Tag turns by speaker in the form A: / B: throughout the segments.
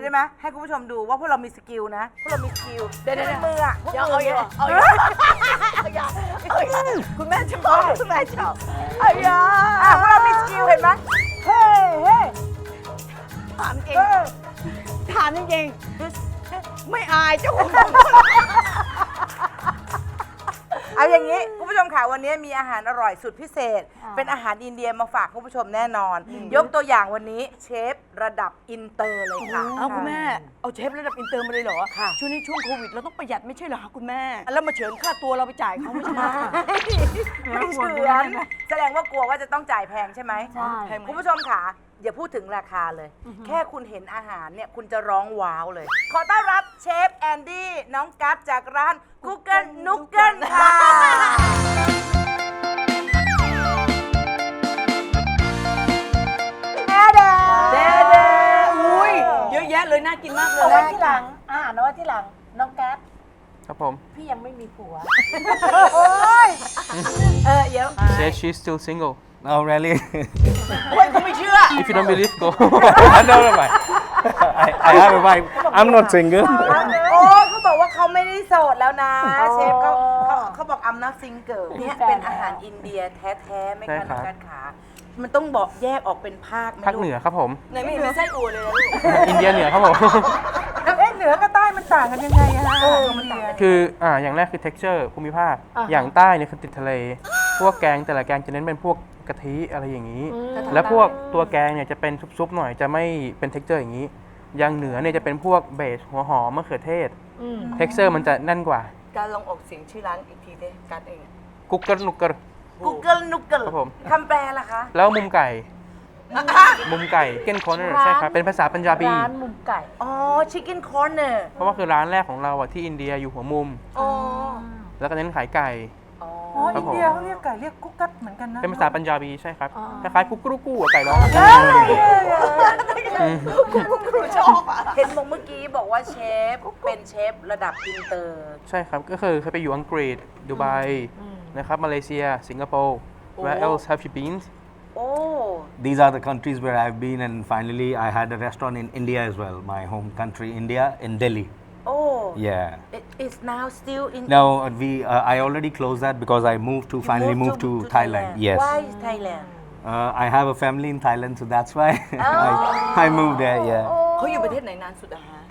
A: ไหมให้คุณผู้ชมดูว่าพวกเรามีสกิลนะพวกเรามีสกิลเดี๋ยวมืออ่ะพวกมือเอาคุณแม่ชอบคุณแม่ชอบพวกเรามีสกิลเห็นไหมเฮ้ถามจริงไม่อายเจ้าของเอาอย่างนี้คุณผู้ชมค่ะวันนี้มีอาหารอร่อยสุดพิเศษเป็นอาหารอินเดียมาฝากคุณผู้ชมแน่นอนยกตัวอย่างวันนี้เชฟระดับอินเตอร์เลยค่ะ
B: เอาคุณแม่เอาเชฟระดับอินเตอร์มาเลยเหรอค่ะช่วงนี้ช่วงโควิดเราต้องประหยัดไม่ใช่เหรอคะคุณแม่แล้วมาเฉือนค่าตัวเราไปจ่ายเขาไม่ใช่ไหม
A: ไม่เฉือนแสดงว่ากลัวว่าจะต้องจ่ายแพงใช่ไหมใช่คุณผู้ชมค่ะอย่าพูดถึงราคาเลยแค่คุณเห็นอาหารเนี่ยคุณจะร้องว้าวเลยขอต้อนรับเชฟแอนดี้น้องกัฟจากร้านกุ๊กเกิลนุกเกิลค่ะ
B: เด้อุ้ยเยอะแยะเลยน่ากินมากเลย
C: เอาไว้ที่หลังอาหารเอาไว้ที่หลังน้องแก๊ป
D: ครับผม
C: พี่ยังไม่มีผัว
A: เดี๋ยว
D: Says she's still single
E: Oh, really?
B: โอ้ยเขาไม่เชื่อ
D: if you don't believe go
E: No, no, no. I have a wife. I'm not single.
A: โอ้เขาบอกว่าเขาไม่ได้โสดแล้วนะเชฟเขาบอกI'm not single เนี่ยเป็นอาหารอินเดียแท้ๆไหมคะน้องกัฟขามันต้องบอกแยกออกเป็นภาคไหม
D: ภาคเหนือครับผม
B: ไหนไม่เห็นเป็นไส้อั่วเลยนะลูก
D: อินเดียเหนือครับผม
C: เหนือกับใต้มันต่างกันยังไงอะฮะ
A: มันต่างกัน
D: คืออย่างแรกคือ texture ภูมิภาค อย่างใต้เนี่ยคือติดทะเล พวกแกงแต่ละแกงจะเน้นเป็นพวกกะทิอะไรอย่างนี้ แล้วพวกตัวแกงเนี่ยจะเป็นซุปๆหน่อยจะไม่เป็น texture อย่างนี้ อย่างเหนือเนี่ยจะเป็นพวกเบสหัวหอมมะเขือเทศ texture มันจะแน่นกว่า
B: การลองออกเสียงชื่อร้านอีกทีเด้การเอง
D: กุ๊กเกิลนุกเกิล
A: Google นุกเกิล
D: ครับผม
A: คำแปลล่ะคะ
D: แล้วมุมไก่เก้นคอร์เนอร์ใช่ครับ เป็นภาษาปัญจาบี
C: ร้านมุมไก่
A: อ๋อ Chicken Corner
D: เพราะว่าคือร้านแรกของเราอะที่อินเดียอยู่หัวมุม
A: อ๋อ
D: แล้วก็เน้นขายไก่
C: อ๋อ
D: ครั
C: อิ
D: บ
C: น
D: ผม
C: เดียเขาเรียกไก่เรียกกุ๊กกัดเหมือนกันนะ
D: เป็นภาษาปัญจาบีใช่ครับคล้ายๆกุ๊กกรุ๊กกู้อะไก่ร้อง
B: ครูชอบอ่ะ
A: เห็นบอกเมื่อกี้บอกว่าเชฟเป็นเชฟระดับอินเตอร์
D: ใช่ครับ ก็คือเคยไปอยู่อังกฤษดูไบนะครับมาเลเซีย สิงคโปร์ Where else have you been
A: โอ้
E: These are the countries where I've been, and finally, I had a restaurant in India as well, my home country, India, in Delhi.
A: โอ้
E: Yeah.
A: It is now still in
E: Now, I already closed that because I finally moved to Thailand. Yes.
A: Why Thailand
E: I have a family in Thailand, so that's why I moved there, yeah.
B: เขาอยู่ประเทศไหนนานสุดอะฮะ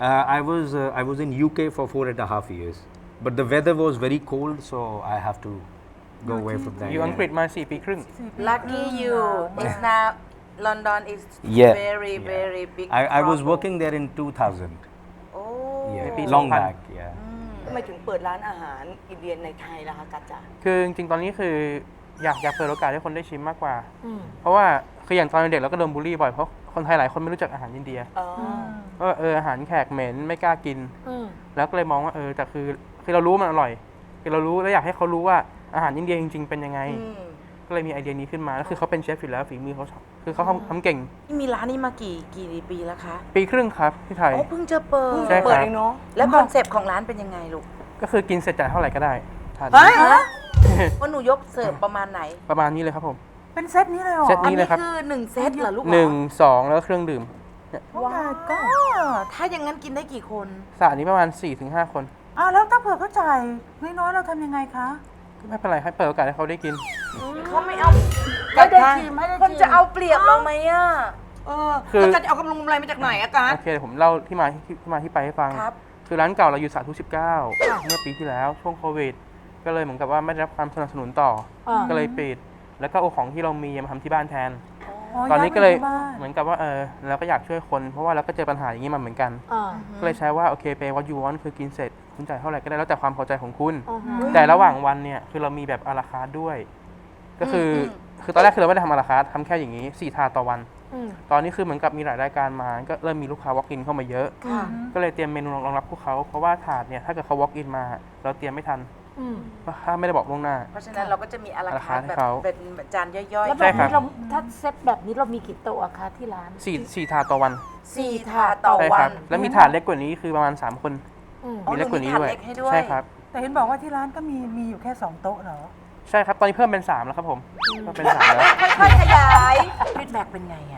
E: I was in UK for 4.5 years, but the weather was very cold, so I have to go away from there.
D: อยู่อังกฤษมา4 ปีครึ่ง
A: Lucky you is now London is
E: Yeah.
A: very very big
E: I was
A: trouble.
E: working there in 2000.
A: โอ้
E: Yeah, long back. Yeah.
B: ทำไมถึงเปิดร้านอาหารอินเดียในไทยล่ะคะกัจจา
D: คือจริงๆ ตอนนี้คืออยากเปิดโอกาสให้คนได้ชิมมากกว่า เพราะว่าคืออย่างตอนเด็กเราก็โดนบูลลี่บ่อยเพราะคนไทยหลายคนไม่รู้จักอาหารอินเดีย
B: อ๋อ
D: ว่าอาหารแขกเหม็นไม่กล้ากิน แล้วก็เลยมองว่าแต่คือเรารู้ว่ามันอร่อยคือเรารู้แล้วอยากให้เขารู้ว่าอาหารอินเดียจริงๆเป็นยังไง ก็เลยมีไอเดียนี้ขึ้นมาแล้วคือเขาเป็นเชฟอยู่แล้วฝีมือเขาคือเขาทำเก่ง
A: มีร้านนี้มากี่ปีแล้วคะ
D: ปีครึ่งครับที่ไทย
A: โอ้เพิ่งจะเปิด
D: ใช่ครับ
B: เปิดเองเนาะ
A: แล้วคอนเซปต์ของร้านเป็นยังไงลูก
D: ก็คือกินเสร็จจ่ายเท่าไหร่ก็ได้ทาน
A: ว่าหนูยกเสิร์ฟประมาณไหน
D: ประมาณนี้เลยครับผม
C: เป็นเซตนี้เลยเหรอ
D: เซต
A: อัน
D: นี่เล
A: นี้
D: ยครับ
A: คือ1เซตเหรอลูก
D: 1 2 แล้วก็เครื่องดื่ม
C: ว้าวก็
A: ถ้าอย่างนั้นกินได้กี่คน
D: สระนี้ประมาณ 4-5 คน
C: แล้วถ้าเผื่อเขาจ่ายน้อยๆเราทำยังไงคะ
D: ไม่เป็นไรให้เปิดโอกาสให้เขาได้กิน
A: เขาไม่เอา
C: ไม่ได้ชิมไม่ได้
A: คน
C: ชิม
A: จะเอาเปรียบเราไหมอ่ะ
D: คือ
B: แล้วกัจจะเอากำลังกำไรมาจากไหนอะกัจ
D: โอเคเดี๋ยวผมเล่าที่มาที่ไปให้ฟัง
A: ครับ
D: คือร้านเก่าเราอยู่สาธุ19 เมื่อปีที่แล้วช่วงโควิด ก็เลยเหมือนกับว่าไม่ได้รับความสนับสนุนต่อ ก็เลยปิด แล้วก็เอาของที่เรามีมาทำที่บ้านแทน ตอนนี้ก็เลยเหมือนกับว่าเราก็อยากช่วยคน เพราะว่าเราก็เจอปัญหาอย่างนี้มาเหมือนกัน ก็เลยใช้ว่าโอเคไปวัดยูวอนคือกินเสร็จคุณจ่ายเท่าไหร่ก็ได้แล้วแต่ความพอใจของคุณ แต่ระหว่างวันเนี่ยคือเรามีแบบอาราคาร์ทด้วย ก็คือตอนแรกคือเราไม่ได้ทำอาราคาร์ททำแค่อย่างนี้4 ถาดต่อวัน ตอนนี้คือเหมือนกับมีหลายรายการมาก็เริ่มมีลูกค้า walk in เข้ามาเยอะ ก็เลยเตรียมเมนูรองรับพวกเขาเพราะว่าถาดเนี่ยถ้าเกิดเขา walk in มาเราเตรียมไม่ทันเพราะถ้าไม่ได้บอกล่วงหน้า
A: เพราะฉะนั้นเราก็จะมีอาราคาร์ท
D: ให้
A: แบบ
D: เขา
A: เป็นจานย่อย
C: แล้ว
A: ๆ
C: แบบ
D: ครั
C: นี้
D: บ
C: เราถ้าเซตแบบนี้เรามีกี่โต๊ะอะคะที่ร้าน
D: 4 ถาดต่อวัน
A: 4 ถาดต่อ
D: ใช่
A: วั
D: ครั
A: น
D: บแล้วมีถาดเล็กกว่านี้คือประมาณ3 คน มีเล็กกว่านี้ด้วย
A: มีถาดเล็กให้ด้วย
D: ใช่ครับ
C: แต่เห็นบอกว่าที่ร้านก็มีอยู่แค่2โต๊ะเหรอ
D: ใช่ครับตอนนี้เพิ่มเป็น3แล้วครับผมก็เป็น3แล้ว
A: ค่อยๆขยายฟีดแบ็กเป็นไงอ่ะ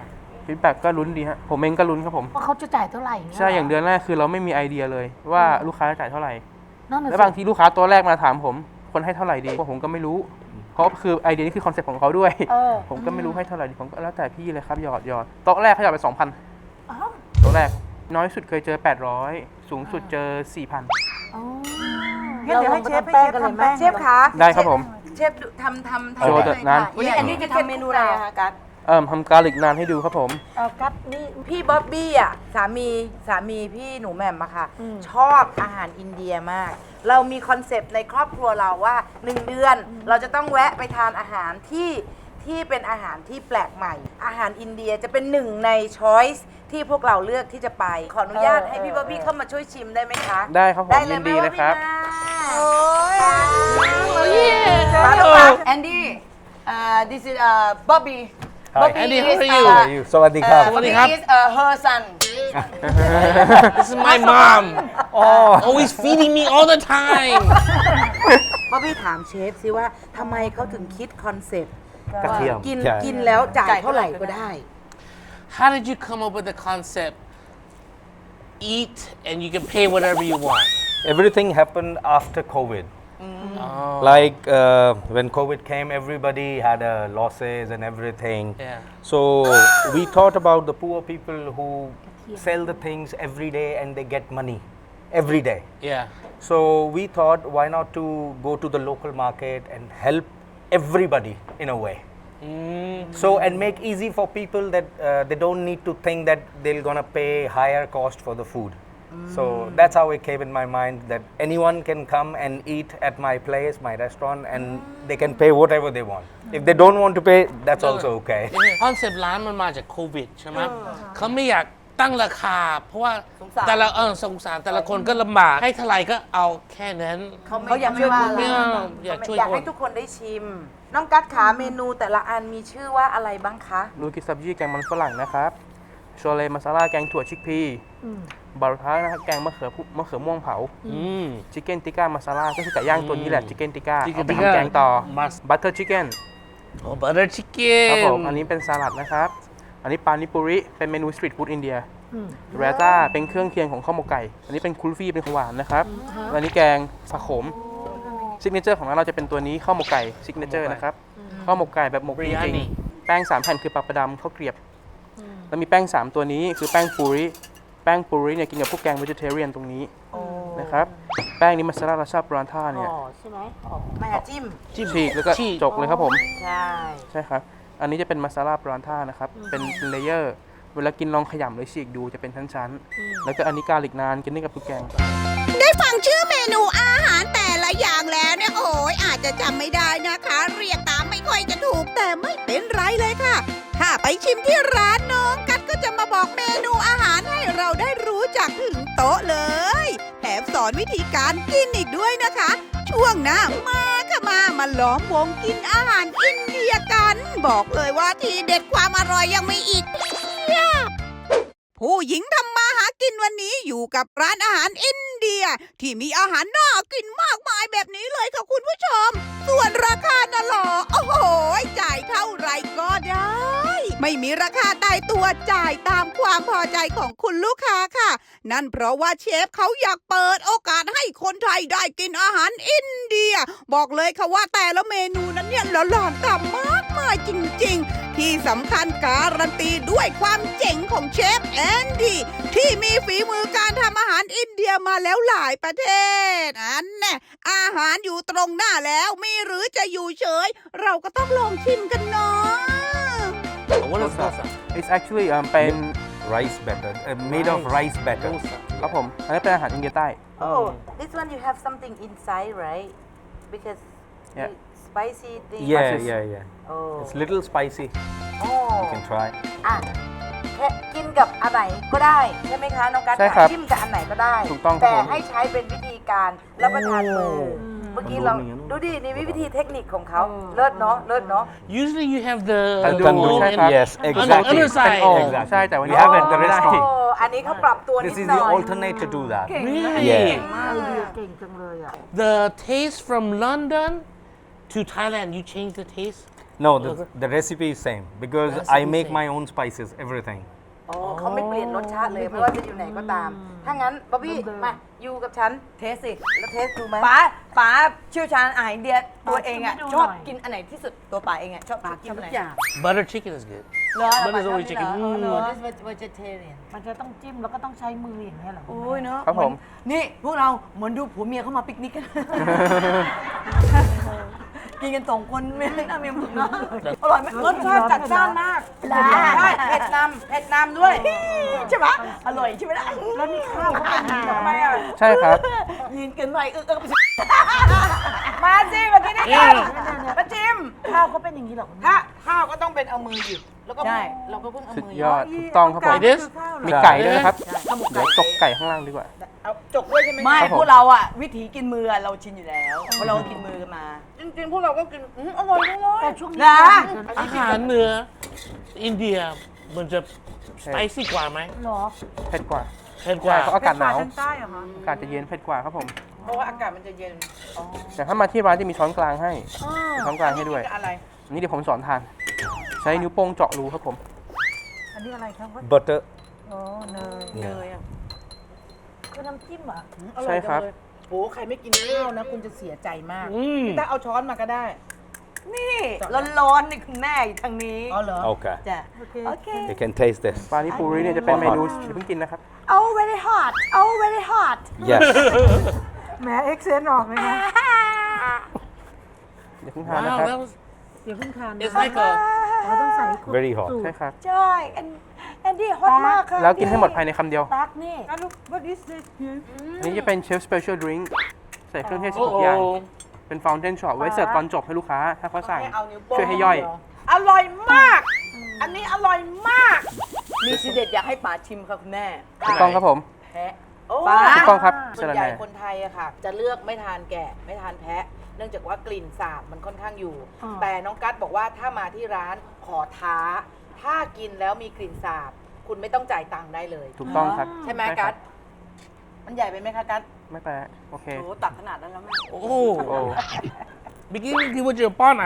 D: ฟีดแบ็กก็ลุ้นดีฮะผมเองก็ลุ้นครับผม
C: ว่าเขาจะจ่ายเท่าไหร่เงี้ย
D: ใช่อย่างเดือนแรกคือเราไม่มีไอเดียเลยว่าลูกค้าจะจ่ายเท่าไหร่
C: นั่นน่ะ
D: แล้ว
C: สิ
D: บางทีลูกค้าตัวแรกมาถามผมคนให้เท่าไหร่ดีผมก็ไม่รู้ เพราะคือไอเดียนี้คือคอนเซ็ปต์ของเขาด้วย ผมก็ไม่รู้ให้เท่าไหร่ดีผมก็แล้วแต่พี่เลยครับหยอดโต๊ะแรกเขาหยอดไป 2,000โต๊ะแรกน้อยสุดเคยเจอ 800 สูงสุดเจอ 4,000
C: งั้นเดี๋ยวให้เชฟทำแป้ง
A: เชฟคะ
D: ได้ครับผม
A: เชฟทำ
D: โชว์
A: ได้
D: เถ
A: เลย
D: อะ
A: ค่ะ
D: นะ
B: วันนี้อันนี้จะทำเมนูอะไรอะคะกัส
D: ทำการลิกนานให้ดูครับผม
C: กัดนี่
A: พี่บ๊อบบี้อ่ะสามีพี่หนูแหม่มอะค่ะ ชอบอาหารอินเดียมาก เรามีคอนเซปต์ในครอบครัวเราว่า 1 เดือน เราจะต้องแวะไปทานอาหารที่เป็นอาหารที่แปลกใหม่ อาหารอินเดียจะเป็นหนึ่งในช้อยส์ที่พวกเราเลือกที่จะไป ขออนุญาตให้พี่บ๊อบบี้เข้ามาช่วยชิมได้ไหมคะ
D: ได้ครับผม
A: ได้เลย
D: ยินดีเลยครับ
A: โอ้ย
B: แอนดี้this is Bobby
E: Hi.
B: Bobby
F: Andy, how
B: is,
F: are you?
E: How are you? Sawadee krap.
B: Bobby is her son
F: This is my mom.
E: Oh.
F: Always feeding me all the time.
A: บ๊อบบี้ถามเชฟซิว่าทำไมเขาถึงคิดคอนเซปต์
E: กระเทียม
A: กิน
E: ใช่
A: กินแล้วจ่ายเท่าไหร่ก็ได้
F: How did you come up with the concept? Eat and you can pay whatever you want.
E: Everything happened after COVID.
F: Oh.
E: Like when COVID came, everybody had losses and everything.
F: Yeah.
E: So we thought about the poor people who sell the things every day and they get money every day.
F: Yeah.
E: So we thought, why not to go to the local market and help everybody in a way. So and make easy for people that they don't need to think that they're gonna pay higher cost for the food. So that's how it came in my mind that anyone can come and eat at my place, my restaurant, and they can pay whatever they want. If they don't want to pay, that's also okay.
F: คอนเซปต์ร้านมันมาจากโควิดใช่ไหมเขาไม่อยากตั้งราคา เพราะว่า
B: สงสาร
F: แต่ละสงสารแต่ละคนก็ลำบากให้เท่าไหร่ก็เอาแค่นั้น
B: เขาอยากช่วยคน
F: ไม่อยากช่วย
A: อยาก
F: ค
A: ให้
F: น
A: ทุกคนได้ชิม น้องกัดขาเมนูแต่ละอันมีชื่อว่าอะไรบ้างคะ
D: ลูกิซับจี้แกงมันฝรั่งนะครับโชเลมาซาลาแกงถั่วชิกพีบารุทานะครับแกงมะเขือม่วงเผาชิคเก้นติก้ามาซาลาก็คือไก่ย่างตัวนี้แหละชิคเก้นติก้า
F: Chicken
D: เอาไป
F: tikka
D: ทำแกงต่อ
F: Mas-
D: บัตเตอร์ชิคเก้น
F: โอ้ butter
D: ครับผม
F: chicken
D: อันนี้เป็นสลัดนะครับ อันนี้ปานิปุริเป็นเมนูสตรีทฟู้ดอินเดียแรต้าเป็นเครื่องเคียงของข้าวหมกไก่ อันนี้เป็นคุลฟี่เป็นของหวานนะครับอันนี้แกงผักโขมซิกเนเจอร์ของเราจะเป็นตัวนี้ข้าวหมกไก่ซิกเนเจอร์นะครับข้าวหมกไก่แบบหมกจริง
F: Biryani
D: ๆแป้ง3แผ่นคือปลาประดำข้าวเกรียบแล้วมีแป้ง3ตัวนี้คือแป้งปูริเนี่ยกินกับพวกแกง vegetarian ตรงนี้นะครับแป้งนี้มาซาลาราชาปรันท่าเนี่ย
C: ใช่ไหม
A: แม่จิ้ม
D: ฉีกแล้วก็
F: ฉีก
D: จกเลยครับผม
A: ใช่
D: ใช่ครับ อันนี้จะเป็นมาซาลาปรันท่านะครับ เป็นเลเยอร์ เวลากินลองขยำหรือฉีกดูจะเป็นชั้นๆ แล้วก็อันนี้กาลิกนานกินได้กับทุกแกง
G: ได้ฟังชื่อเมนูอาหารแต่ละอย่างแล้วเนี่ยโอ้ยอาจจะจำไม่ได้นะคะ เรียกตามไม่ค่อยจะถูกแต่ไม่เป็นไรเลยค่ะ ถ้าไปชิมที่ร้านน้องกัดก็จะมาบอกเมนูอาหารให้เราได้รู้จักถึงโต๊ะเลยแถมสอนวิธีการกินอีกด้วยนะคะ ช่วงหน้ามาค่ะมาล้อมวงกินอาหารอินเดียกัน บอกเลยว่าทีเด็ดความอร่อยยังมีอีกเพียบ ผู้หญิงทำมาหากินวันนี้อยู่กับร้านอาหารอินเดีย ที่มีอาหารน่ากินมากมายแบบนี้เลยค่ะคุณผู้ชม ส่วนราคาน่ะหรอโอ้โหจ่ายเท่าไหรก็ได้ ไม่มีราคาตายตัวจ่ายตามความพอใจของคุณลูกค้าค่ะ นั่นเพราะว่าเชฟเขาอยากเปิดโอกาสให้คนไทยได้กินอาหารอินเดีย บอกเลยค่ะว่าแต่ละเมนูนั้นเนี่ยหลอนๆต่ำมากมายจริงๆ ที่สำคัญการันตีด้วยความเจ๋งของเชฟแอนดี้ที่มีฝีมือการทำอาหารอินเดียมาแล้วหลายประเทศอันแน่อาหารอยู่ตรงหน้าแล้วมีหรือจะอยู่เฉย เราก็ต้องลองชิมกันเนาะ
F: What is that?
D: It's actually เป็น
E: Rice batter, made of rice batter.
D: ครับผม อันนี้เป็นอาหารอินเดียใต้
A: Oh this one you have something inside right because
D: Yeah.
A: spicy thing
E: Yeah.
A: oh
E: It's little spicy.
A: oh
E: You can try.
A: อ่ะแค่กินกับอันไหนก็ได้ใช่ไหมคะน้องกัด
D: ใช่ครับ
A: จิ้มกับอันไหนก็ได้
D: ถูกต้องครับ
A: แต่
D: ผม
A: ให้ใช้เป็นวิธีการรับประทานมือเมื่อกี้เรา
E: มันรู้
A: ดูดินี่วิธีเทคนิคของเขาเลิศเนาะเลิศเนาะ
F: Usually you have the
D: Tandoor,
F: bone
D: ใช่
F: and
D: ครับ
E: Yes,
F: on the
E: exactly.
F: other side.
D: โอ่ง
E: Exactly.
D: ใช่แต่วัน
E: We
D: นี้
E: have at the
D: ไม่ได้
E: restaurant.
A: โอ้อันนี้เขาปรับตัวนิ
E: This
A: ด
E: is
A: หน่
E: the
A: อย
E: alternate to do that.
F: Really?
E: Yeah.
C: เก่งจังเลยอ่ะ
F: The taste from London to Thailand, you change the taste?
E: No, the recipe is same because I
F: Recipe
E: make
F: same.
E: my own spices, everything.
A: อ๋อเขาไม่เปลี่ยนรสชาติเลยไม่ว่าจะอยู่ไหนก็ตาม ถ้างั้นบ๊อบบี้มาอยู่กับฉัน
B: เทสสิ
A: แล้วเทสดูไหม
B: ป๋าเชี่ยวชาญอาหารอินเดียตัวเองอ่ะ
C: ชิมให้ดู
B: ชอบ
C: หน่อย
B: กินอันไหนที่สุดตัวป๋าเองอ่ะชอบกินอันไหน
F: Butter chicken is good.
B: เหรอ
F: Butter is always chicken.
B: เหรอ
C: vegetarian มันจะต้องจิ้มแล้วก็ต้องใช้มืออย่างเงี้ยเหรอ
B: โอ้ยเนาะ
D: ครับผม
B: นี่พวกเราเหมือนดูผัวเมียเข้ามาปิกนิกกัน กินกันสองคนไม่น่ามีความสุขเนาะอร่อยไหม
A: รสชาติจัดจ้านมากใช่เผ็ดนำด้วย
B: ใช่ไหมอร่อยใช่ไหมล่ะ
C: แล้วนี่ข้าวเขาเป็นยังไง
A: ทำไมอ่ะ
D: ใช่ครับ
B: ยืนเกินไป
A: มาสิมากินด้วยกันมาจิ้ม
C: ข้าวเขาเป็นอย่างนี้เหรอคุณแม่
A: ถ้าข้าวก็ต้องเป็นเอามือหยิบแล้วก็เราก็เพิ่งเอา
D: สุด
A: มือย
D: อดถูกต้องครับผม
F: It is?
D: มีไก่ด้วยนะครับ เดี๋ยวจกไก่ข้างล่างดีกว่า
A: เอาจกด้วยใช่ไหม
B: ไม่
D: ครับผม
B: พวกเราอะวิถีกินมืออะเราชินอยู่แล้วเพราะเรากินมือกันมา
A: จริงๆพวกเราก็กินอร่อยจังเลย
C: แต่ช่วงนี้
B: นะ
F: อาหารเหนืออินเดียมันจะสไปซี่กว่าไหม
C: เหรอ
D: เผ็ดกว่า
F: เผ็ดก
D: ใช่
F: ว่า
D: เพราะอากาศหนาว
A: ทางใต้เหรอคะ
D: อากาศจะเย็นเผ็ดกว่าครับผม
A: เพราะว่าอากาศมันจะเย็น
D: แต่ถ้ามาที่ร้านจะมีช้อนกลางให้มีช้อนกลางให้ด้วย
A: อะไร
D: อันนี้เดี๋ยวผมสอนทาน ใช้นิ้วโป้งเจาะรูครับผม
C: อันนี้อะไรครับว่า
E: Butter.
C: อ๋อเนย
E: Yeah.
C: คือน้ำจิ้มเหรอ
D: ใช่ครับ
A: โหใครไม่กินข้าวนะ คุณจะเสียใจมาก
F: อืม
A: พี่ตาเอาช้อนมาก็ได้
B: นี่ร้อนๆนี่คุณแม่อยู่ทางนี้
A: อ๋อเหรอ
E: Okay.
B: จ้ะ
C: โอเค
B: โอเค
E: You can taste this.
D: ปลานิปูริเนี่ยจะเป็นเมนูอย่าเพิ่งกินนะครับ
B: Oh very hot Oh very hot
E: Yes.
C: แหมเอ็กเซนออกเลยนะ
D: อย่าเพิ่งทานนะ
F: Wow,
D: ครับ
F: that was
C: อย่าเพิ่งทาน
F: it's like a
C: เราต้องใส่
E: Very hot.
D: ใช่ครับ
B: ใช่แอนดี้ฮอตมากค่ะ
D: แล้วกินให้หมดภายในคำเดียว
C: ตักนี่
D: อันนี้จะเป็นเชฟสเปเชียลดริงก์ใส่เครื่องเทศทุกอย่าง
F: oh
D: เป็นฟ o ว n เ a นช็อตไว้เสิร์ฟตอนจบให้ลูกค้า ถ้าเขาสั่ง
A: ให้เอานิ้วโป้ง
D: ช่วยให้ย่อย
A: อร่อยมาก อันนี้อร่อยมาก
B: มีทีเด็ดอยากให้ป๋าชิมค่ะคุณแม่
D: ถูกต้องครับผม
A: แพะโอ้
B: ปลา
D: ถูกต้องครับ
A: ส่วนใหญ่
D: สะระแหน่
A: คนไทยอะค่ะ จะเลือกไม่ทานแกะไม่ทานแพะ เนื่องจากว่ากลิ่นสาบมันค่อนข้างอยู่ แต่น้องกั๊ดบอกว่าถ้ามาที่ร้านขอท้า ถ้ากินแล้วมีกลิ่นสาบ คุณไม่ต้องจ่ายตังค์ได้เลย
D: ถูกต้องครับ
A: ใช่ไหม
D: ครั
A: กั๊
D: บ
A: ดมันใหญ่ไปไหมคะกั๊ด
D: ไม่แปลกโอเค
B: โอ้ตักขนาดนั้นแล้วแม่
D: โอ้
F: oh beginning ที่ว่าจะป้อนไอ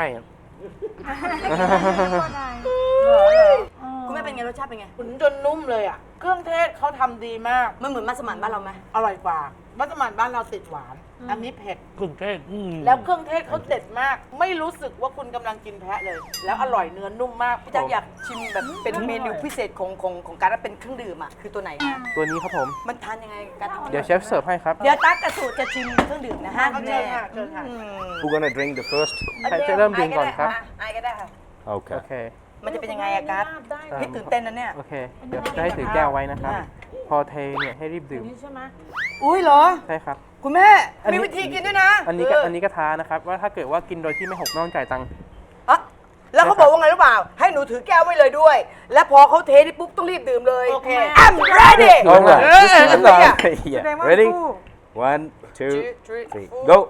B: คุณแม่เป็นไงรสชาติเป็นไง
A: ขุนจนนุ่มเลยอ่ะ เครื่องเทศเขาทำดีมาก
B: มันเหมือนมัสมั่นบ้านเราไหม
A: อร่อยกว่ามัสมั่นบ้านเราติดหวาน อันนี้เผ็ด
F: กรุงเทพอืม
A: แล้วเครื่องเทศเขาเด็ดมาก ไม่รู้สึกว่าคุณกำลังกินแพะเลย แล้วอร่อยเนื้อนุ่มมาก
B: พี่จักรอยากชิมแบบเป็นเมนูพิเศษของการเป็นเครื่องดื่มอ่ะคือตัวไหนคะ
D: ตัวนี้ครับผม
B: มันทานยังไงกัน
D: เดี๋ยวเชฟเสิร์ฟให้ครับ
B: เดี๋ยวตั๊กกระสูตรจะชิมเครื่องดื่มนะฮะ
A: เอา
B: คุณ
A: เชิ
B: แม่
A: ญค่ะเชิญค่ะ
E: Who gonna drink the first?
D: ใครจะเริ่มดื่มก่อนครับ
A: ไอก็ได้ค่ะ
D: โอ
E: Okay.
D: เค
B: มันจะเป็นยังไงอะกัสพี่ตื่นเต้นนะเนี่ย
D: โอเค เดี๋ยวจะให้ถือแก้วไว้นะครับ
B: อ่ะ
D: พอเทเนี่ยให้รีบดื่ม
B: อุ้ยเหรอ
D: ใช่ครับ
B: คุณแม่
D: อันนี้
B: มีวิธีกินด้วยนะ
D: อันนี้ก็ท้านะครับ ว่าถ้าเกิดว่ากินโดยที่ไม่หกไม่ต้องจ่ายตังค์
B: อะแล้วเขาบอกว่าไงรู้เปล่า ให้หนูถือแก้วไว้เลยด้วย แล้วพอเขาเทนี่ปุ๊บต้องรีบดื่มเลย
A: โอเค
B: I'm ready
E: Alright.
B: Yeah.
E: Yeah. Ready? 1, 2, 3. Go.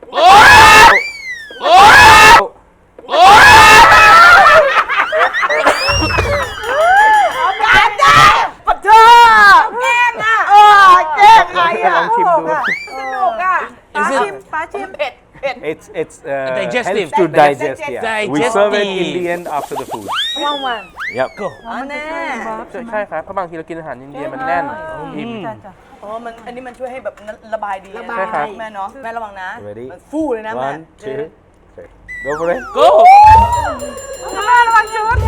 B: ปัดเธอแกล้งอ่ะแกล้งใครอ่ะ
D: ลองชิมดู
A: สนุกอ่ะ
F: Is it
A: ปลาชิมเผ็ดเผ็ด
E: It's
F: Digestive.
E: helps to digest. Yeah. We serve it in
F: Digestive.
E: the end after the food.
A: ว่างวัน
E: Yep.
B: อ๋อแน่
D: ใช่ครับ เพราะบางทีเรากินอาหารอินเดียมันแน่นอิ่ม
B: อ๋อมันอันนี้มันช่วยให้แบบระบายดี
A: ระบาย
D: ใช่ครับ
B: แม่เนาะแม่ระวังนะ
E: Ready?
B: มันฟู่เลยนะแม่
E: 1, 2, 3. Go for it.
F: go
B: แม่ระวังชุด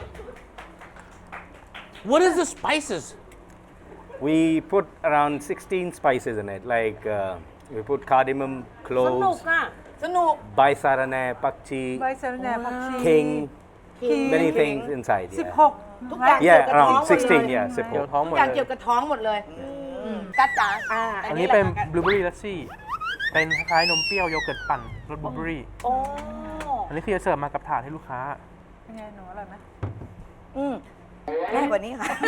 F: what is the spices
E: We put around 16 spices in it. Like we put cardamom,
C: สนุก
E: cloves,
C: อ่ะ
B: สนุก
E: baisarane, pakchi,
C: ใบสะระแหน่ผักชี
E: king, many things inside. Yeah.
C: 16
A: ทุกอย่างเกี่ยว
E: Yeah,
A: กับท้อง
E: around
A: หมดเลย
E: 16. Yeah,
D: เกี่ยว
E: 16.
D: ท้องหม
A: ทุ
D: ด
A: กอย่าง
D: เล
A: เกี่ย
D: ยว
A: กับท้องหมดเลย
B: กัดจ๋า
D: อันนี้เป็นบลูเบอรี่ลัสซี่ เป็นคล้ายๆนมเปรี้ยวโยเกิร์ตปั่นรสบลูเบอรี่
A: โอ้
D: อันนี้คือจะเสิร์ฟมากับถาดให้ลูกค้า
B: ง่ายกว่านี้ค่ะ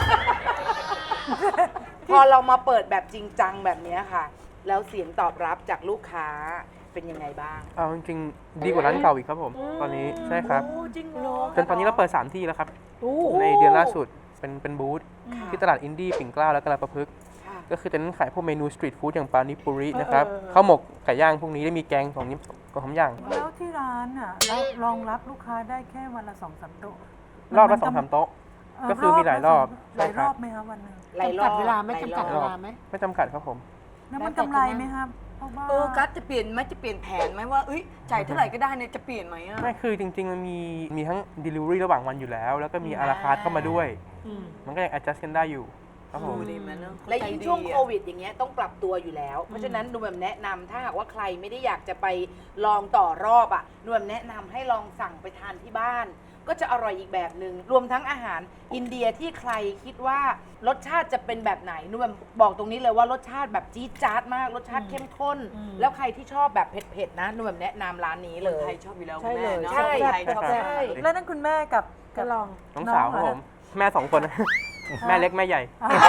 A: พอเรามาเปิดแบบจริงจังแบบเนี้ยค่ะ แล้วเสียงตอบรับจากลูกค้าเป็นยังไงบ้าง
D: เอาจริงๆดีกว่าร้านเก่าอีกครับผม ตอนนี้ใช่ครับ
A: จริงเหรอ
D: จนตอนนี้เราเปิด 3 ที่แล้วครับ ในเดือนล่าสุดเป็นบูธที่ตลาดอินดี้ปิ่นเกล้าและกระประพฤกษ์
A: ค่ะ
D: ก็คือจะเน้นขายพวกเมนูสตรีทฟู้ดอย่างปานิปุรินะครับข้าวหมกไก่ย่างพวกนี้ได้มีแกงของนี้ก็หอมอย่าง
C: แล้วที่ร้านร้านอ่ะแล้วรองรับลูกค้าได้แค่วันละ2-3 โต๊ะ
D: รอบละ2-3 โต๊ะ ก็คือมีหลายรอบ
C: หลายรอบไหมคะวันหนึง
A: หลายรอบ
C: จำกัดเวลาไหมจำกัดเวลาไหม
D: ไม่จำกัดครับผม
C: แล้วมันกำไรไหมครับเพราะว่า
B: กัสจะเปลี่ยนไหมจะเปลี่ยนแผนไหมว่าจ่ายเท่าไหร่ก็ได้เนี่ยจะเปลี่ยนไหมอ่ะ
D: ไม่คือจริงๆ มันมีทั้ง delivery ระหว่างวันอยู่แล้ว แล้วก็มีอาราคาร์ทเข้ามาด้วย มันก็ยัง adjust กันได้อยู่ครับผม
B: ดีไหมเนอะ
A: และยิ่งช่วงโควิดอย่างเงี้ยต้องปรับตัวอยู่แล้ว เพราะฉะนั้นหนูแบบแนะนำถ้าหากว่าใครไม่ได้อยากจะไปลองต่อรอบอ่ะหนูแบบแนะนำให้ลองสั่งไปทานที่บ้าน ก็จะอร่อยอีกแบบหนึ่งรวมทั้งอาหารอินเดียที่ใครคิดว่ารสชาติจะเป็นแบบไหนหนูแบบบอกตรงนี้เลยว่ารสชาติแบบจี๊ดจ๊าดมากรสชาติเข้มข้น แล้วใครที่ชอบแบบเผ็ดๆนะหนูแบบแนะนำร้านนี้เลย
B: ไทยชอบอยู่แล้ว
C: ใช่เลย
B: คุณแม่เนอะ
A: ใช่
B: ไทยชอบ
D: ใช่
B: แซ่บ
C: แล้วนั่นคุณแม่กับลอง
D: น้องสาวครับผม แม่2 คน แม่เล็กแม่ใหญ่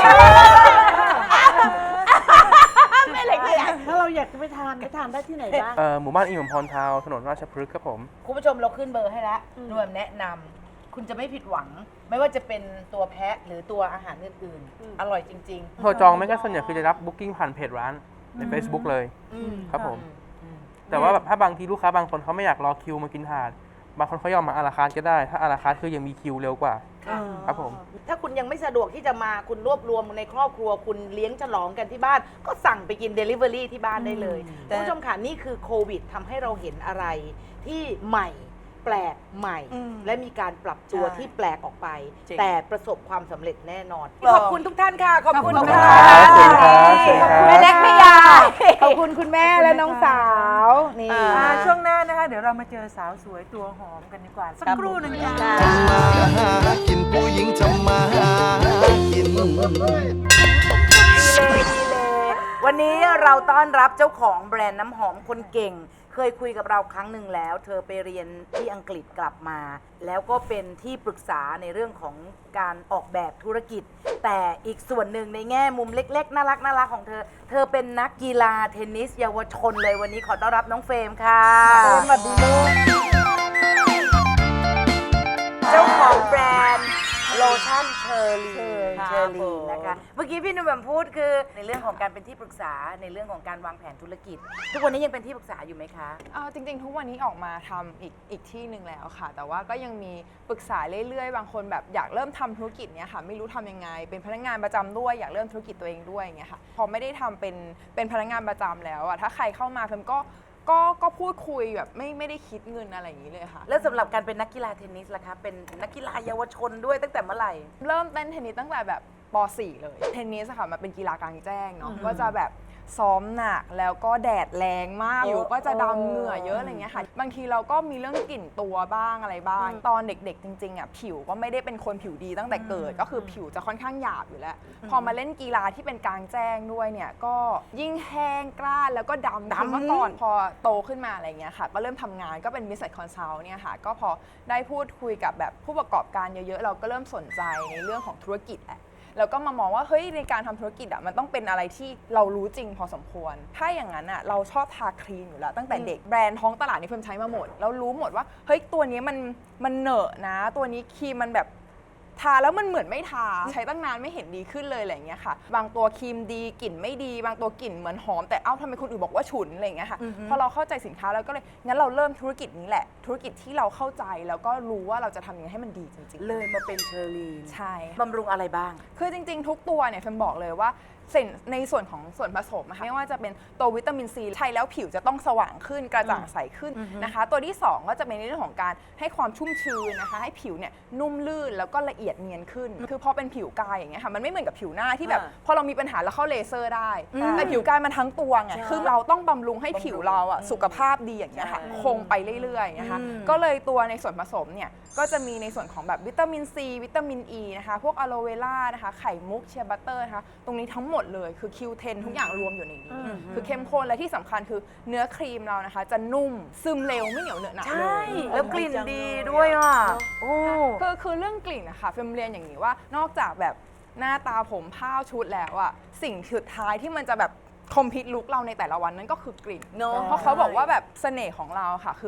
A: ไม่เลยเลย
C: ถ้าเราอยากจะไปทานได้ที่ไหนบ้าง
D: หมู่บ้านอิมพรทาวน์ถนนราชพฤกษ์ครับผม
A: คุณผู้ชมเราขึ้นเบอร์ให้แล้วหนูแบบแนะนำคุณจะไม่ผิดหวัง ไม่ว่าจะเป็นตัวแพะหรือตัวอาหารอื่นๆ อร่อยจริง
D: โทรจองไม่ก็ส่วนใหญ่คือจะรับ booking ผ่านเพจร้านใน Facebook เลยครับผม แต่ว่าแบบถ้าบางทีลูกค้าบางคนเขาไม่อยากรอคิวมากินถาด บางคนเขายอมมาอาราคาร์ทก็ได้ ถ้าอาราคาร์ทคือยังมีคิวเร็วกว่า ครับผม
A: ถ้าคุณยังไม่สะดวกที่จะมาคุณรวบรวมในครอบครัว คุณเลี้ยงฉลองกันที่บ้าน ก็สั่งไปกิน Delivery ที่บ้านได้เลยคุณผู้ชมค่ะนี่คือโควิดทำให้เราเห็นอะไรที่ใหม่แปลกใหม่ และมีการปรับตัวที่แปลกออกไป
B: จริง
A: แต่ประสบความสำเร็จแน่นอน ขอบคุณทุกท่านค่ะ ขอบคุณ
B: ขอบคุณ
A: ค่ะ
B: ครับ
D: เชิญครับ
A: แม่เล็กแม่ยาขอบคุณคุณแม่และน้องสาวนี่
C: ช่วงหน้านะคะ เดี๋ยวเรามาเจอสาวสวยตัวหอมกันดีกว่า สักครู่หนึ่งค่ะ
H: หากินผู้หญิงทำมาหากิน
A: วันนี้เราต้อนรับเจ้าของแบรนด์น้ำหอมคนเก่ง เคยคุยกับเราครั้งหนึ่งแล้ว เธอไปเรียนที่อังกฤษกลับมา แล้วก็เป็นที่ปรึกษาในเรื่องของการออกแบบธุรกิจ แต่อีกส่วนหนึ่งในแง่มุมเล็กๆ น่ารักของเธอ เธอเป็นนักกีฬาเทนนิสเยาวชนเลยวันนี้ขอต้อนรับน้องเฟรมค่ะสวัสดีเจ้าของแบรนด์โลชั่นเชอร์ลีนะคะ เมื่อกี้พี่หนุ่มแบบพูดคือในเรื่องของการเป็นที่ปรึกษาในเรื่องของการวางแผนธุรกิจ ทุกวันนี้ยังเป็นที่ปรึกษาอยู่ไหมคะ
I: จริงๆ ทุกวันนี้ออกมาทำอีกที่หนึ่งแล้วค่ะ แต่ว่าก็ยังมีปรึกษาเรื่อยๆ บางคนแบบอยากเริ่มทำธุรกิจเนี้ยค่ะไม่รู้ทำยังไง เป็นพนักงานประจำด้วยอยากเริ่มธุรกิจตัวเองด้วยอย่างเงี้ยค่ะพอไม่ได้ทำเป็นพนักงานประจำแล้วอะถ้าใครเข้ามาเพิ่มก็พูดคุยแบบไม่ได้คิดเงินอะไรอย่างนี้เลยค่ะ
A: แล้วสำหรับการเป็นนักกีฬาเทนนิสล่ะคะ เป็นนักกีฬาเยาวชนด้วยตั้งแต่เมื่อไหร่
I: เริ่มเต้นเทนนิสตั้งแต่แบบป .4 เลยเทนนิสอะค่ะมันเป็นกีฬากลางแจ้งเนาะก็จะแบบซ้อมหนักแล้วก็แดดแรงมากอยู่ก็จะดำเหงื่อเยอะอะไรเงี้ยค่ะบางทีเราก็มีเรื่องกลิ่นตัวบ้างอะไรบ้างตอนเด็กๆจริงๆอ่ะผิวก็ไม่ได้เป็นคนผิวดีตั้งแต่เกิดก็คือผิวจะค่อนข้างหยาบอยู่แล้วพอมาเล่นกีฬาที่เป็นกลางแจ้งด้วยเนี่ยก็ยิ่งแห้งกร้านแล้วก็ดำคือเมื่อก่อนพอโตขึ้นมาอะไรเงี้ยค่ะก็เริ่มทำงานก็เป็น Business Consult เนี่ยค่ะก็พอได้พูดคุยกับแบบผู้ประกอบการเยอะๆเราก็เริ่มสนใจในเรื่องของธุรกิจแหละแล้วก็มามองว่าเฮ้ยในการทำธุรกิจอ่ะมันต้องเป็นอะไรที่เรารู้จริงพอสมควรถ้าอย่างนั้นอ่ะเราชอบทาครีมอยู่แล้วตั้งแต่เด็กแบรนด์ท้องตลาดนี่เพิ่มใช้มาหมดแล้วรู้หมดว่าเฮ้ยตัวนี้มันเหนอะนะตัวนี้ครีมมันแบบทาแล้วมันเหมือนไม่ทาใช้ตั้งนานไม่เห็นดีขึ้นเลยอะไรอย่างเงี้ยค่ะบางตัวครีมดีกลิ่นไม่ดีบางตัวกลิ่นเหมือนหอมแต่เอ้าทำไมคนอื่นบอกว่าฉุนอะไรอย่างเงี้ยค่ะพอเราเข้าใจสินค้าแล้วก็เลยงั้นเราเริ่มธุรกิจนี้แหละธุรกิจที่เราเข้าใจแล้วก็รู้ว่าเราจะทำยังไงให้มันดีจริงๆ
A: เลยมาเป็นเชอร์ลีน
I: ใช่
A: บำรุงอะไรบ้าง
I: คือจริงๆ ทุกตัวเนี่ยเฟมบอกเลยว่าในส่วนของส่วนผสมนะคะไม่ว่าจะเป็นตัววิตามินซีใช้แล้วผิวจะต้องสว่างขึ้นกระจ่างใสขึ้นนะคะตัวที่2ก็จะเป็นในเรื่องของการให้ความชุ่มชื้นนะคะให้ผิวเนี่ยนุ่มลื่นแล้วก็ละเอียดเนียนขึ้นคือพอเป็นผิวกายอย่างเงี้ยค่ะมันไม่เหมือนกับผิวหน้าที่แบบพอเรามีปัญหาแล้วเข้าเลเซอร์ได้แต่ผิวกายมันทั้งตัวไงคือเราต้องบำรุงให้ผิวเราอะสุขภาพดีอย่างเงี้ยค่ะคงไปเรื่อยๆนะคะก็เลยตัวในส่วนผสมเนี่ยก็จะมีในส่วนของแบบวิตามินซีวิตามินอ e ีนะคะพวกอะโลเวล่านะคะไข่มุกเชียร์บัตเตอร์นะคะตรงนี้ทั้งหมดเลยคือ Q10 ทุกอย่างรวมอยู่ในนี้คือเข้มข้นและที่สำคัญคือเนื้อครีมเรานะคะจะนุ่มซึมเร็วไม่เหนียวเหนอะหนะเลย
A: แล้วกลิ่นดีด้วยอ่ะโอ้
I: คือเรื่องกลิ่นนะคะเฟมเรียนอย่างนี้ว่านอกจากแบบหน้าตาผมผ้าชุดแล้วอะสิ่งสุดท้ายที่มันจะแบบคอมพิวต์ลุคเราในแต่ละวันนั้นก็คือกลิ่น
B: เนอะ
I: เพราะเขาบอกว่าแบบเสน่ห์ของเราค่ะคือแบบ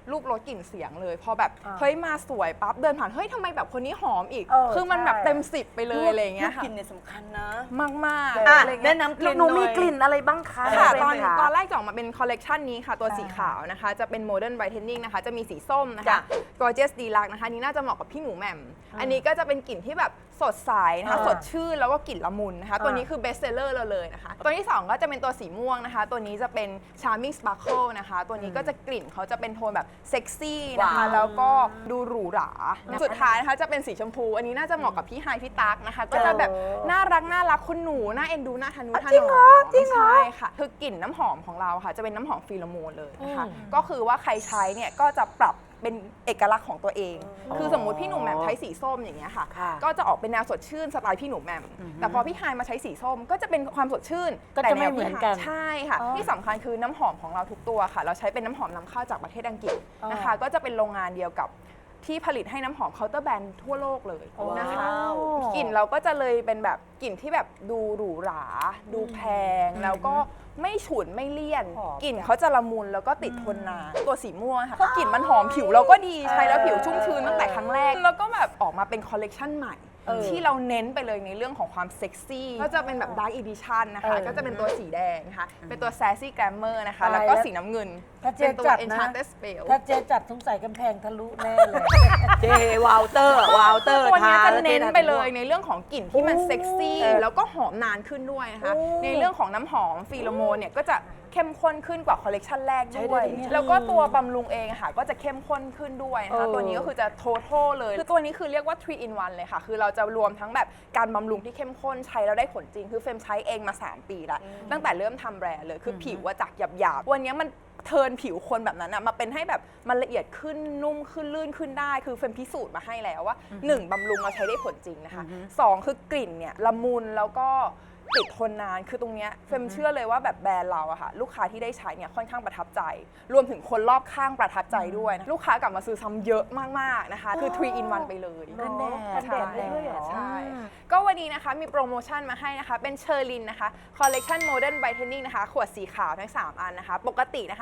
I: รูปรสกลิ่นเสียงเลยพอแบบเฮ้ยมาสวยปั๊บเดินผ่านเฮ้ยทำไมแบบคนนี้หอมอีก คือมันแบบเต็ม10ไปเลยอะไรอย่างเงี้ยค่ะ
B: กลิ่นเนี่ยสำคัญนะ
I: มาก
B: อ่ะ
I: ๆ
B: แนะนำกลิ่น
A: หนูมี
B: หน่อย
A: กลิ่นอะไรบ้างคะ
I: ค่ะ
A: เฟร
I: ต
A: ม
I: อน
A: คะ
I: ตอนแรกจะออกมาเป็นคอลเลกชันนี้ค่ะ ตัวสีขาวนะคะ จะเป็น Modern Brightening นะคะ จะมีสีส้มนะคะ Gorgeous Deluxe นะคะนี่น่าจะเหมาะกับพี่หมูแหม่มอันนี้ก็จะเป็นกลิ่นที่แบบสดใสนะคะสดชื่นแล้วก็กลิ่นละมุนนะคะตัวนี้คือ best seller เราเลยนะคะตัวที่ 2 ก็จะเป็นตัวสีม่วงนะคะ ตัวนี้จะเป็น Charming Sparkle นะคะ ตัวนี้ก็จะกลิ่นเขาจะเป็นโทนแบบเซ็กซี่นะคะแล้วก็ดูหรูหราสุดท้ายนะคะจะเป็นสีชมพูอันนี้น่าจะเหมาะกับพี่ไฮพี่ตั๊กนะคะก็จะแบบน่ารักคุณหนูน่าเอ็นดูน่าทะนุถนอมจริงเหรอใช่ค่ะคือกลิ่นน้ำหอมของเราค่ะจะเป็นน้ำหอมฟีโรโมนเลยนะคะก็คือว่าใครใช้เนี่ยก็จะปรับเป็นเอกลักษณ์ของตัวเอง คือสมมุติพี่หนุ่มแหม่มใช้สีส้มอย่างเงี้ยค่ะ ก็จะออกเป็นแนวสดชื่นสไตล์พี่หนุ่มแหม่มแต่พอพี่ไฮายมาใช้สีส้มก็จะเป็นความสดชื่น
B: ก็จะไม่เหมือนกัน
I: ใช่ค่ะ ที่สำคัญคือน้ำหอมของเราทุกตัวค่ะ เราใช้เป็นน้ำหอมนำเข้าจากประเทศอังกฤษนะคะ ก็จะเป็นโรงงานเดียวกับที่ผลิตให้น้ำหอมเคาน์เตอร์แบรนด์ทั่วโลกเลยนะคะกลิ่นเราก็จะเลยเป็นแบบกลิ่นที่แบบดูหรูหราดูแพงแล้วก็ไม่ฉุนไม่เลี่ยนกลิ่นเขาจะละมุนแล้วก็ติดทนนานตัวสีม่วงค่ะกลิ่นมันหอมผิวเราก็ดีใช้แล้วผิวชุ่มชื้นตั้งแต่ครั้งแรกแล้วก็แบบออกมาเป็นคอลเลกชันใหม่ที่เราเน้นไปเลยในเรื่องของความเซ็กซี่ก็จะเป็นแบบ Dark Edition นะคะก็จะเป็นตัวสีแดงนะคะเป็นตัว Sassy Glamour นะคะแล้วก็สีน้ำเงิน
C: ถ้าเจ๊
I: เป็นตัว
C: จัดนะ
I: Enchanted Spell
C: ถ้าเจ๊จัดสงสัยกำแพงทะลุแน่เลย
B: เจวาลเตอร์
I: ตัวนี้จะ
B: แล้ว
I: เน้น
B: จ๊
I: ไปเลยในเรื่องของกลิ่นที่มันเซ็กซี่แล้วก็หอมนานขึ้นด้วยนะคะในเรื่องของน้ำหอมฟีโรโมนเนี่ยก็จะเข้มข้นขึ้นกว่าคอลเลกชันแรกด้วยแล้วก็ตัวบำรุงเองอะค่ะก็จะเข้มข้นขึ้นด้วยนะคะตัวนี้ก็คือจะ total เลยคือตัวนี้คือเรียกว่า 3 in 1 เลยค่ะคือเราจะรวมทั้งแบบการบำรุงที่เข้มข้นใช้แล้วได้ผลจริงคือเฟรมใช้เองมา3 ปีแล้วตั้งแต่เริ่มทำแบรนด์เลยคือผิวว่าจากหยาบๆวันนี้มันเทิร์นผิวคนแบบนั้นมาเป็นให้แบบมันละเอียดขึ้นนุ่มขึ้นลื่นขึ้นได้คือเฟรมพิสูจน์มาให้แล้วว่า1บำรุงเราใช้ได้ผลจริงนะคะ2คือกลิ่นเนี่ยละมุนแล้วก็ติดทนนานคือตรงเนี้ยเฟรมเชื่อเลยว่าแบบแบรนด์เราอะค่ะลูกค้าที่ได้ใช้เนี่ยค่อนข้างประทับใจรวมถึงคนรอบข้างประทับใจด้วยนะลูกค้ากลับมาซื้อซ้ำเยอะมากๆนะคะคือ3 in 1 ไปเลยกันแดดด้วยเหรอใช่ก็วันนี้นะคะมีโปรโมชั่นมาให้นะคะเป็นเชอร์ลินนะคะคอลเลกชัน Modern Brightening นะคะขวดสีขาวทั้ง3อันนะคะปกตินะคะ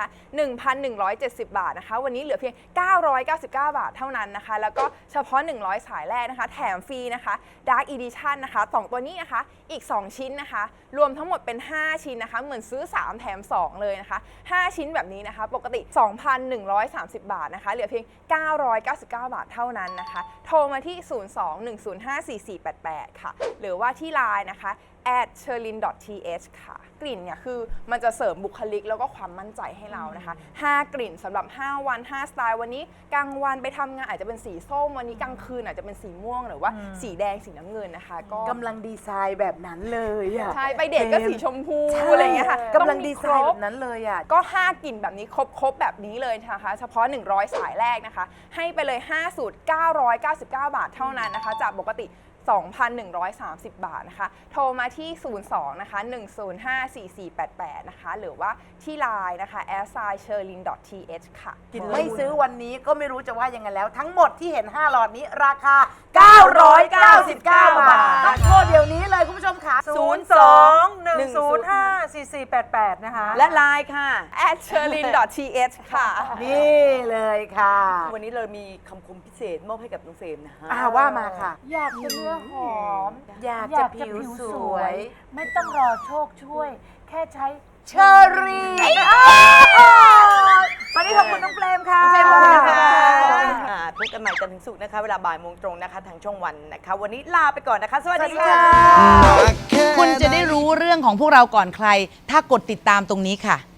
I: 1,170 บาทนะคะวันนี้เหลือเพียง999 บาทเท่านั้นนะคะแล้วก็เฉพาะ100สายแรกนะคะแถมฟรีนะคะ Dark Edition นะคะ2ตัวนี้นะคะอีก2ชิ้นนะคะรวมทั้งหมดเป็น5ชิ้นนะคะเหมือนซื้อ3แถม2เลยนะคะ5ชิ้นแบบนี้นะคะปกติ 2,130 บาทนะคะเหลือเพียง999 บาทเท่านั้นนะคะโทรมาที่ 02-105-4488 ค่ะหรือว่าที่ LINE นะคะ@cherlin.th ค่ะกลิ่นเนี่ยคือมันจะเสริมบุคลิกแล้วก็ความมั่นใจให้เรานะคะ5กลิ่นสำหรับ5วัน5สไตล์วันนี้กลางวันไปทำงานอาจจะเป็นสีส้มวันนี้กลางคืนอาจจะเป็นสีม่วงหรือว่าสีแดงสีน้ำเงินนะคะก็
A: กำลังดีไซน์แบบนั้นเลยอะ
I: ใช่ไปเดทก็สีชมพูอะไรอย่างเงี้ยค่ะ
A: กำลัง
I: ต้องมี
A: ดีไซน์แบบนั้นเลยอะ
I: ก็5กลิ่นแบบนี้ครบแบบนี้เลยนะคะเฉพาะ100สายแรกนะคะให้ไปเลย5สูตร999 บาทเท่านั้นนะคะจากปกติ 2,130 บาทนะคะโทรมาที่ 02 นะคะ 105-4488 นะคะหรือว่าที่ LINE นะคะ @cherlin.th ค่ะ
A: ไม่ซื้อวันนี้ก็ไม่รู้จะว่ายังไงแล้ว ทั้งหมดที่เห็น 5 หลอดนี้ราคา 999 บาทต้องโทรเดี๋ยวนี้เลยคุณผู้ชมค่ะ
C: 02-105-4488 นะคะ
B: และไลน์ค่ะ
I: @cherlin.th ค่ะ
A: นี่เลยค่ะ
B: วันนี้เรามีคำคมพิเศษมอบให้กับน้องเฟรมนะฮะ
A: ว่ามาค่ะ
C: อยากจะเนื้อหอม
A: อยากจะผิวสวย
C: ไม่ต้องรอโชคช่วย แค่ใช้
A: เชอรี่วันนี้ขอบคุณน้องเฟรมค่ะ
B: ขอบคุณค่ะพบกันใหม่จันทร์ถึงศุกร์นะคะ เวลาบ่ายโมงตรงนะคะ ทางช่องวันนะคะ วันนี้ลาไปก่อนนะคะ สวัสดีค่ะ
H: แค่
J: คุณจะได้รู้เรื่องของพวกเราก่อนใคร ถ้ากดติดตามตรงนี้ค่ะ